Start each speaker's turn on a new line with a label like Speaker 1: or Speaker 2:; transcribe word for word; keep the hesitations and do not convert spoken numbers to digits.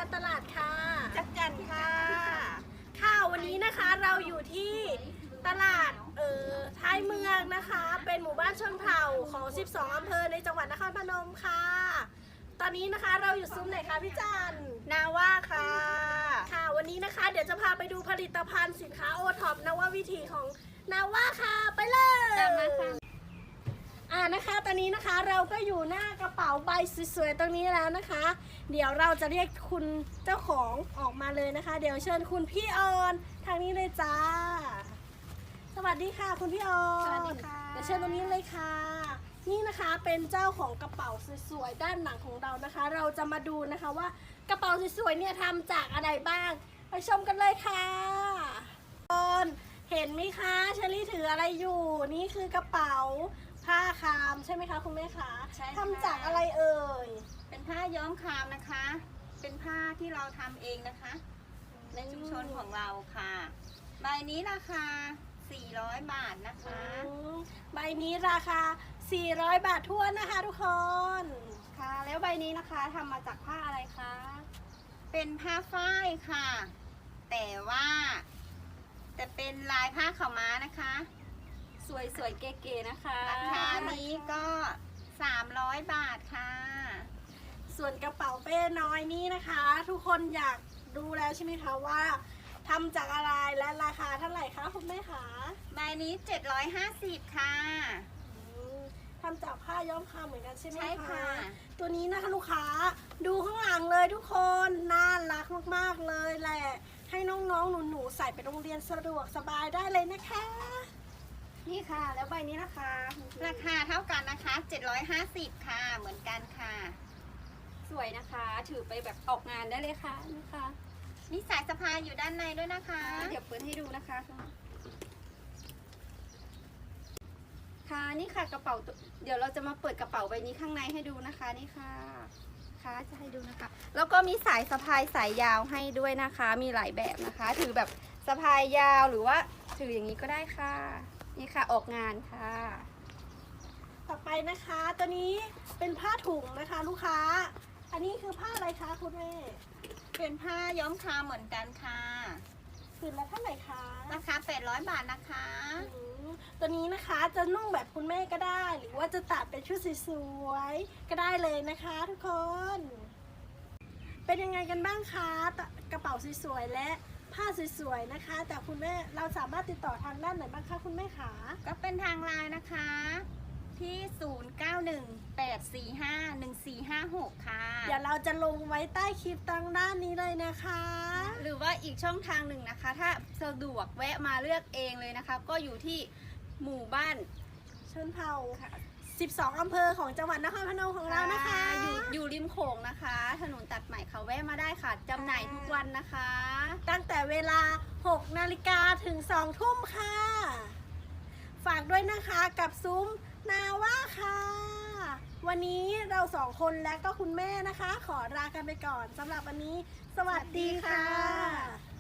Speaker 1: การตลาดค่ะ
Speaker 2: จักจันค่ะ
Speaker 1: ค่ะวันนี้นะคะเราอยู่ที่ตลาดเอ่อท้ายเมืองนะคะเป็นหมู่บ้านชนเผ่าของสิบสองอำเภอในจังหวัดนครพนมค่ะตอนนี้นะคะเราอยู่ซุ้มไหนคะพี่จัน
Speaker 2: นาว่าค่ะ
Speaker 1: ค่ะวันนี้นะคะเดี๋ยวจะพาไปดูผลิตภัณฑ์สินค้าโอท็อปนววิถีของนาว่าค่ะไปเลย
Speaker 2: ตามมาค่ะ
Speaker 1: อ่านะคะตอนนี้นะคะเราก็อยู่หน้ากระเป๋าใบสวยๆตรงนี้แล้วนะคะ เดี๋ยวเราจะเรียกคุณเจ้าของออกมาเลยนะคะ เดี๋ยวเชิญคุณพี่ออนทางนี้เลยจ้าสวัสดีค่ะคุณพี่ออน
Speaker 2: สวัสดีค่ะ
Speaker 1: เดี๋ยวเชิญตรงนี้เลยค่ะนี่นะคะเป็นเจ้าของกระเป๋าสวยๆด้านหลังของเรานะคะ เราจะมาดูนะคะว่ากระเป๋าสวยๆเนี่ยทำจากอะไรบ้างไปชมกันเลยค่ะออนเห็นไหมคะเชอรี่ถืออะไรอยู่นี่คือกระเป๋าผ้าคามใช่ไหมคะคุณแม่คะ
Speaker 2: ใช่ค่ะ
Speaker 1: ทำจากอะไรเอ่ย
Speaker 2: เป็นผ้าย้อมคามนะคะ เป็นผ้าที่เราทำเองนะคะในชุมชนของเราค่ะใบนี้ราคาสี่ร้อยบาทนะคะ
Speaker 1: ใบนี้ราคาสี่ร้อยบาททั่วนะคะทุกคน
Speaker 2: ค่ะแล้วใบนี้นะคะทำมาจากผ้าอะไรคะเป็นผ้าฝ้ายค่ะแต่ว่าแต่เป็นลายผ้าขาวม้านะคะสวยๆเก๋ๆนะคะราคานี้ก็สามร้อยบาทค่ะ
Speaker 1: ส่วนกระเป๋าเป้น้อยนี้นะคะทุกคนอยากดูแล้วใช่ไหมคะว่าทำจากอะไรและราคาเท่าไหร่คะคุณแม่คะ
Speaker 2: ใบนี้เจ็ดร้อยห้าสิบค่ะ
Speaker 1: ทำจากผ้าย้อมคามเหมือนกันใช่ไหมคะ
Speaker 2: ใช่ค่ะ
Speaker 1: ตัวนี้นะคะลูกค้าดูข้างหลังเลยทุกคนน่ารักมากๆเลยแหละให้น้องๆหนูๆใส่ไปโรงเรียนสะดวกสบายได้เลยนะคะนี่ค่ะแล้วใบนี้นะคะ
Speaker 2: ราคาเท่ากันนะคะเจ็ดร้อยห้าสิบค่ะเหมือนกันค่ะ
Speaker 3: สวยนะคะถือไปแบบออกงานได้เลยค่ะนะคะ
Speaker 2: มีสายสะพายอยู่ด้านในด้วยนะคะ
Speaker 3: เดี๋ยวเปิดให้ดูนะคะค่ะนี่ค่ะกระเป๋าเดี๋ยวเราจะมาเปิดกระเป๋าใบนี้ข้างในให้ดูนะคะนี่ค่ะค่ะจะให้ดูนะคะแล้วก็มีสายสะพายสายยาวให้ด้วยนะคะมีหลายแบบนะคะถือแบบสะพายยาวหรือว่าถืออย่างนี้ก็ได้ค่ะนี่ค่ะออกงานค่ะ
Speaker 1: ต่อไปนะคะตัวนี้เป็นผ้าถุงนะคะลูกค้าอันนี้คือผ้าอะไรคะคุณแม่
Speaker 2: เป็นผ้าย้อมคามเหมือนกันค่ะ
Speaker 1: ผืนละเท่าไหร่คะ
Speaker 2: ราคาแปดร้อยบาทนะคะ
Speaker 1: ตัวนี้นะคะจะนุ่งแบบคุณแม่ก็ได้หรือว่าจะตัดเป็นชุดสวยๆก็ได้เลยนะคะทุกคนเป็นยังไงกันบ้างคะกระเป๋าสวยๆและผ้าสวยๆนะคะแต่คุณแม่เราสามารถติดต่อทางด้านไหนบ้างคะคุณแม่คะ
Speaker 2: ก็เป็นทางไลน์นะคะที่ศูนย์ เก้า หนึ่ง แปด สี่ ห้า หนึ่ง สี่ ห้า หกค่ะ
Speaker 1: เดี๋ยวเราจะลงไว้ใต้คลิปทางด้านนี้เลยนะคะ
Speaker 3: หรือว่าอีกช่องทางหนึ่งนะคะถ้าสะดวกแวะมาเลือกเองเลยนะคะก็อยู่ที่หมู่บ้าน
Speaker 1: ชนเผ่าสิบสองอำเภอของจังหวัดนครพนมของเรานะคะ
Speaker 3: อยู่อยู่ริมโขงนะคะถนนตัดใหม่ค่ะแวะมาได้ค่ะจำหน่ายทุกวันนะคะ
Speaker 1: ตั้งแต่เวลาหกนาฬิกาถึงสองทุ่มค่ะฝากด้วยนะคะกับซุ้มนาว่าค่ะวันนี้เราสองคนและก็คุณแม่นะคะขอลากันไปก่อนสำหรับวันนี้สวัสดีค่ะ